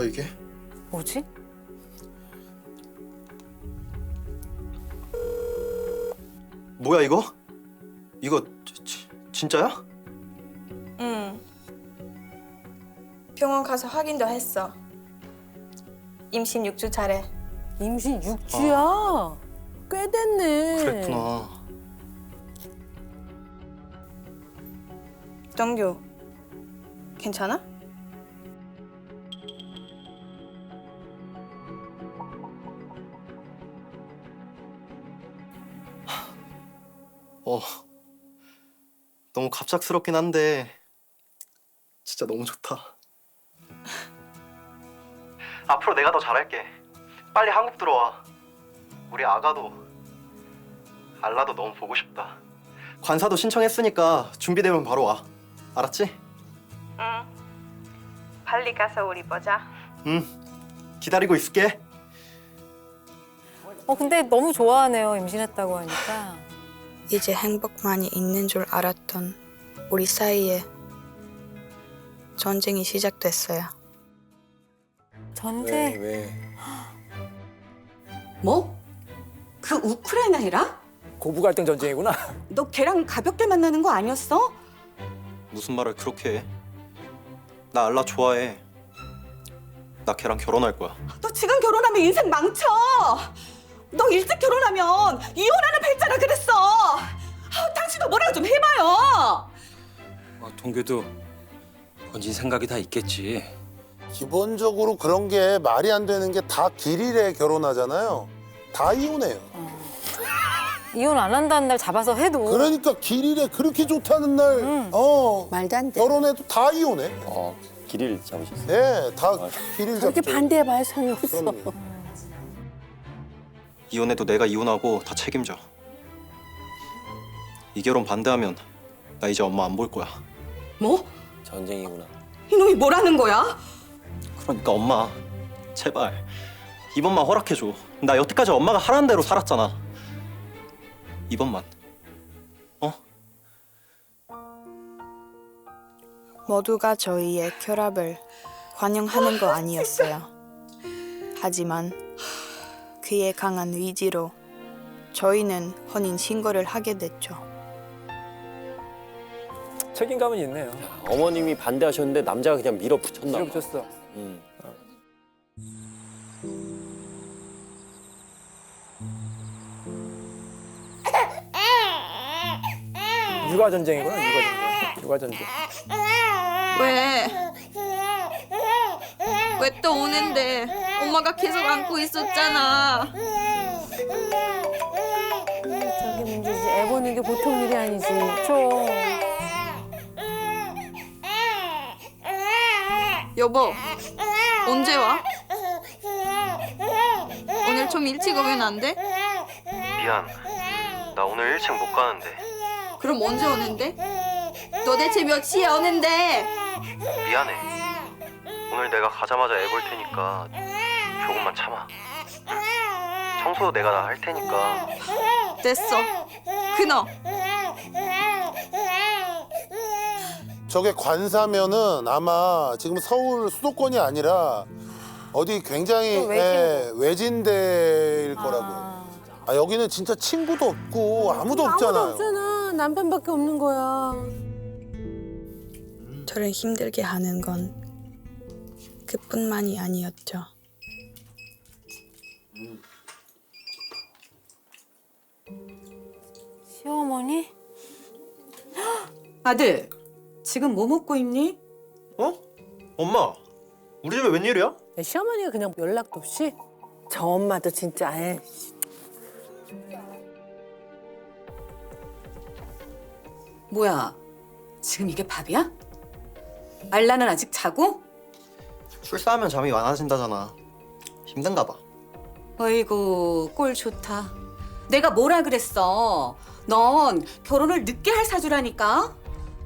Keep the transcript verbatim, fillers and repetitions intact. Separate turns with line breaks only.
이게?
뭐지?
뭐야 이거? 이거 지, 지, 진짜야?
응. 병원 가서 확인도 했어. 임신 육 주 차래.
임신 육 주야? 꽤 됐네.
그랬구나.
정규, 괜찮아?
어. 너무 갑작스럽긴 한데 진짜 너무 좋다. 앞으로 내가 더 잘할게. 빨리 한국 들어와. 우리 아가도 알라도 너무 보고 싶다. 관사도 신청했으니까 준비되면 바로 와. 알았지?
응. 빨리 가서 우리 보자.
응. 기다리고 있을게.
어 근데 너무 좋아하네요. 임신했다고 하니까.
이제 행복만이 있는 줄 알았던 우리 사이에 전쟁이 시작됐어요.
전쟁.
왜?
뭐? 그 우크라이나이라?
고부 갈등 전쟁이구나.
너 걔랑 가볍게 만나는 거 아니었어?
무슨 말을 그렇게 해? 나 알라 좋아해. 나 걔랑 결혼할 거야.
너 지금 결혼하면 인생 망쳐. 너 일찍 결혼하면 이혼하는 팔자라 그랬어. 아, 당신도 뭐라고 좀 해봐요.
어, 동규도 본진 생각이 다 있겠지.
기본적으로 그런 게 말이 안 되는 게 다 길일에 결혼하잖아요. 다 이혼해요.
이혼 안 한다는 날 잡아서 해도.
그러니까 길일에 그렇게 좋다는 날,
응.
어
말도 안 돼.
결혼해도 다 이혼해.
어, 길을 잡으셨어요?
예, 다 길일 잡죠.
그렇게 반대해봐야 소용이 없어.
그럼요.
이혼해도 내가 이혼하고 다 책임져. 이 결혼 반대하면 나 이제 엄마 안 볼 거야.
뭐?
전쟁이구나.
이놈이 뭐라는 거야?
그러니까 엄마 제발 이번만 허락해줘. 나 여태까지 엄마가 하라는 대로 살았잖아. 이번만. 어?
모두가 저희의 결합을 환영하는 거 아니었어요. 하지만 그의 강한 의지로 저희는 혼인 신고를 하게 됐죠.
책임감은 있네요.
어머님이 반대하셨는데 남자가 그냥 밀어붙였나 봐.
밀어붙였어.
음.
육아 전쟁이구나. 육아 전쟁. 육아 전쟁.
왜? 왜 또 오는데? 엄마가 계속 안고 있었잖아.
저게 문제지. 애 보는 게 보통 일이 아니지. 그렇죠.
여보, 언제 와? 오늘 좀 일찍 오면 안 돼?
미안. 나 오늘 일 층 못 가는데.
그럼 언제 오는데? 도대체 몇 시에 오는데?
미안해. 오늘 내가 가자마자 애 볼 테니까 조금만 참아. 청소 내가 다 할 테니까.
됐어. 끊어.
저게 관사면은 아마 지금 서울 수도권이 아니라 어디 굉장히
또 외진데.
예, 외진데일 거라고.
아.
아 여기는 진짜 친구도 없고 아무도 없잖아요.
아무도 없잖아. 남편밖에 없는 거야.
저를 힘들게 하는 건 그뿐만이 아니었죠.
시어머니?
아들, 지금 뭐 먹고 있니?
어? 엄마, 우리 집에 웬일이야?
시어머니가 그냥 연락도 없이? 저 엄마도 진짜 에
뭐야, 지금 이게 밥이야? 알라는 아직 자고?
출산하면 잠이 많아진다잖아. 힘든가 봐.
어이구, 꼴 좋다. 내가 뭐라 그랬어? 넌 결혼을 늦게 할 사주라니까?